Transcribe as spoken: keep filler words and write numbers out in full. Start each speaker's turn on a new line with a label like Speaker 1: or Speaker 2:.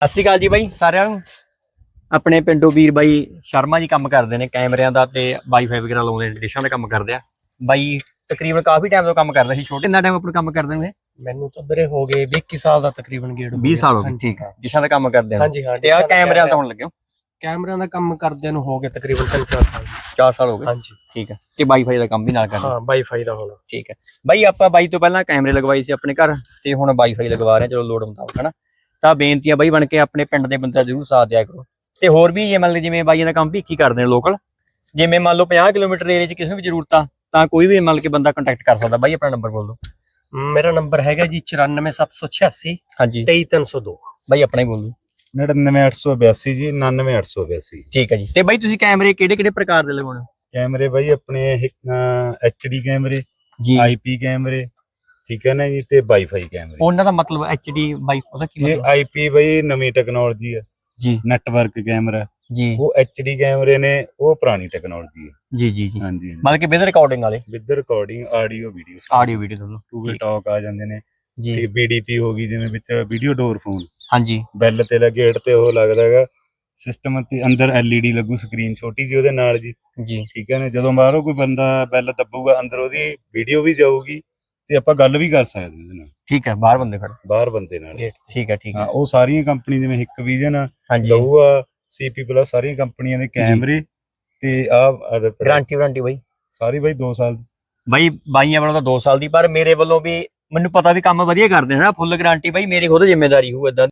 Speaker 1: ਸਤਿ ਸ਼੍ਰੀ ਅਕਾਲ ਜੀ ਬਾਈ ਸਾਰਿਆਂ ਨੂੰ। ਆਪਣੇ ਪਿੰਡੋਂ ਵੀਰ ਬਾਈ ਸ਼ਰਮਾ ਜੀ ਕੰਮ ਕਰਦੇ ਨੇ ਕੈਮਰਿਆਂ ਦਾ ਤੇ ਵਾਈਫਾਈ ਵਗੈਰਾ ਲਾਉਂਦੇ ਨੇ, ਡਿਸ਼ਾਂ ਦਾ ਕੰਮ ਕਰਦੇ ਆ ਬਾਈ। ਤਕਰੀਬਨ ਕਾਫੀ ਟਾਈਮ ਤੋਂ ਕੰਮ ਕਰਦਾ ਸੀ। ਛੋਟੇ ਕਿੰਨਾ ਟਾਈਮ ਆਪਣਾ ਕੰਮ ਕਰਦੇ ਨੇ?
Speaker 2: ਮੈਨੂੰ ਤਾਂ ਵੀਰੇ ਹੋ ਗਏ ਵੀਹ ਇੱਕੀ ਸਾਲ ਦਾ ਤਕਰੀਬਨ ਗੇੜ
Speaker 1: ਵੀਹ ਸਾਲ ਹੋ ਗਏ। ਠੀਕ ਹੈ, ਡਿਸ਼ਾਂ ਦਾ ਕੰਮ ਕਰਦੇ ਆ।
Speaker 2: ਹਾਂਜੀ ਹਾਂ।
Speaker 1: ਤੇ ਆ ਕੈਮਰਿਆਂ ਤੋਂ ਹੁਣ ਲੱਗਿਓ?
Speaker 2: ਕੈਮਰਿਆਂ ਦਾ ਕੰਮ ਕਰਦਿਆਂ ਨੂੰ ਹੋ ਗਏ ਤਕਰੀਬਨ ਤਿੰਨ ਚਾਰ ਸਾਲ।
Speaker 1: ਚਾਰ ਸਾਲ ਹੋ ਗਏ।
Speaker 2: ਹਾਂਜੀ
Speaker 1: ਠੀਕ ਹੈ। ਤੇ ਵਾਈਫਾਈ ਦਾ ਕੰਮ ਵੀ ਨਾਲ ਕਰਦੇ?
Speaker 2: ਹਾਂ ਵਾਈਫਾਈ ਦਾ ਹੋਣਾ।
Speaker 1: ਠੀਕ ਹੈ ਬਾਈ। ਆਪਾਂ ਬਾਈ ਤੋਂ ਪਹਿਲਾਂ ਕੈਮਰੇ ਲਗਵਾਈ ਸੀ ਆਪਣੇ ਘਰ ਤੇ ਹੁਣ ਵਾਈਫਾਈ ਲਗਵਾ ਰਹੇ, ਚਲੋ ਲੋੜ ਮੁਤਾਬਕ ਹਨਾ। ਤਾਂ ਬੇਨਤੀ ਆ ਬਾਈ ਬਣ ਕੇ ਆਪਣੇ ਪਿੰਡ ਦੇ ਬੰਦਾ ਜ਼ਰੂਰ ਸਾਥ ਦਿਆ ਕਰੋ। ਤੇ ਹੋਰ ਵੀ ਜੇ ਮੰਨ ਲਓ ਜਿਵੇਂ ਬਾਈਆਂ ਦਾ ਕੰਮ ਵੀ ਕੀ ਕਰਦੇ ਨੇ ਲੋਕਲ, ਜਿਵੇਂ ਮੰਨ ਲਓ ਪੰਜਾਹ ਕਿਲੋਮੀਟਰ ਏਰੀਆ 'ਚ ਕਿਸੇ ਨੂੰ ਵੀ ਜ਼ਰੂਰਤ ਆ ਤਾਂ ਕੋਈ ਵੀ ਮੰਨ ਕੇ ਬੰਦਾ ਕੰਟੈਕਟ ਕਰ ਸਕਦਾ। ਬਾਈ ਆਪਣਾ ਨੰਬਰ ਬੋਲ ਦਿਓ।
Speaker 2: ਮੇਰਾ ਨੰਬਰ ਹੈਗਾ ਜੀ ਚੁਰਾਨਵੇਂ ਸੱਤ ਸੌ ਛਿਆਸੀ
Speaker 1: ਹਾਂਜੀ
Speaker 2: ਤੇਈ ਤਿੰਨ ਸੌ ਦੋ।
Speaker 1: ਬਾਈ ਆਪਣਾ ਹੀ ਬੋਲ ਦਿਓ।
Speaker 3: ਨੜਿਨਵੇਂ ਅੱਠ ਸੌ ਬਿਆਸੀ ਜੀ, ਉਨਾਨਵੇਂ ਅੱਠ ਸੌ ਬਿਆਸੀ।
Speaker 1: ਠੀਕ ਹੈ ਜੀ। ਤੇ ਬਾਈ ਤੁਸੀਂ ਕੈਮਰੇ ਕਿਹੜੇ ਕਿਹੜੇ ਪ੍ਰਕਾਰ ਦੇ ਲਗਾਉਣੇ?
Speaker 3: ਕੈਮਰੇ ਬਾਈ ਆਪਣੇ ਐਚ ਡੀ ਕੈਮਰੇ,
Speaker 1: ਜੀ
Speaker 3: ਆਈ ਪੀ ਕੈਮਰੇ, ਠੀਕ ਹੈ ਨਾ ਜੀ, ਤੇ ਵਾਈਫਾਈ ਕੈਮਰੇ।
Speaker 1: ਉਹਨਾਂ ਦਾ ਮਤਲਬ ਐਚ ਡੀ ਬਾਈ ਉਹਦਾ ਕੀ
Speaker 3: ਇਹ
Speaker 1: ਮਤਲਬ?
Speaker 3: ਆਈ ਪੀ ਬਾਈ ਨਵੀਂ ਟੈਕਨੋਲੋਜੀ ਹੈ
Speaker 1: ਜੀ
Speaker 3: ਨੈਟਵਰਕ ਕੈਮਰਾ।
Speaker 1: ਜੀ
Speaker 3: ਉਹ ਐਚ ਡੀ ਕੈਮਰੇ ਨੇ, ਉਹ ਪੁਰਾਣੀ ਟੈਕਨੋਲੋਜੀ ਹੈ।
Speaker 1: ਜੀ ਜੀ ਜੀ
Speaker 3: ਹਾਂਜੀ
Speaker 1: ਮਤਲਬ ਕਿ ਵਿਦ ਰਿਕਾਰਡਿੰਗ ਵਾਲੇ,
Speaker 3: with recording audio video,
Speaker 1: audio video ਦੋਨੋਂ।
Speaker 3: ਟੂ ਵੇ ਟਾਕ ਆ ਜਾਂਦੇ ਨੇ।
Speaker 1: ਜੀ
Speaker 3: ਬੀ ਡੀ ਪੀ ਹੋ ਗਈ, ਜਿਵੇਂ ਵਿੱਚ ਵੀਡੀਓ ਡੋਰ ਫੋਨ,
Speaker 1: ਹਾਂਜੀ
Speaker 3: ਬੈਲ ਤੇ ਲੱਗੇ ਗੇਟ ਤੇ ਉਹ ਲੱਗਦਾ ਹੈਗਾ ਸਿਸਟਮ, ਤੇ ਅੰਦਰ ਐਲ ਈ ਡੀ ਲੱਗੂ ਸਕਰੀਨ ਛੋਟੀ ਜੀ ਉਹਦੇ ਨਾਲ ਜੀ।
Speaker 1: ਜੀ
Speaker 3: ਠੀਕ ਹੈ ਨਾ, ਜਦੋਂ ਬਾਹਰੋਂ ਕੋਈ ਬੰਦਾ ਬੈਲ ਦੱਬੂਗਾ ਅੰਦਰ ਉਹਦੀ ਵੀਡੀਓ ਵੀ ਜਾਊਗੀ ਤੇ ਆਪਾਂ ਗੱਲ ਵੀ ਕਰ ਸਕਦੇ ਉਹਦੇ ਨਾਲ,
Speaker 1: ਠੀਕ ਹੈ। ਬਾਹਰ ਬੰਦੇ ਖੜੇ
Speaker 3: ਬਾਹਰ ਬੰਦੇ ਨਾਲ।
Speaker 1: ਠੀਕ ਹੈ ਠੀਕ
Speaker 3: ਹਾਂ,
Speaker 1: ਹੈ।
Speaker 3: ਉਹ ਸਾਰੀਆਂ ਕੰਪਨੀ ਜਿਵੇਂ ਹਿੱਕ ਵਿਜ਼ਨ,
Speaker 1: ਹਾਂਜੀ
Speaker 3: ਲਊਆ, ਸੀਪੀ ਪਲੱਸ, ਸਾਰੀਆਂ ਕੰਪਨੀਆਂ ਦੇ ਕੈਮਰੇ ਤੇ ਆ
Speaker 1: ਗਾਰੰਟੀ ਵਾਰੰਟੀ ਬਾਈ
Speaker 3: ਸਾਰੀ ਬਾਈ ਦੋ ਸਾਲ ਦੀ।
Speaker 1: ਬਾਈ ਬਾਈਆਂ ਵੱਲੋਂ ਤਾਂ ਦੋ ਸਾਲ ਦੀ, ਪਰ ਮੇਰੇ ਵੱਲੋਂ ਵੀ ਮੈਨੂੰ ਪਤਾ ਵੀ ਕੰਮ ਵਧੀਆ ਕਰਦੇ ਨੇ ਨਾ, ਫੁੱਲ ਗਾਰੰਟੀ ਬਾਈ ਮੇਰੀ ਖੁਦ ਜ਼ਿੰਮੇਵਾਰੀ ਹੋਊ ਏਦਾਂ।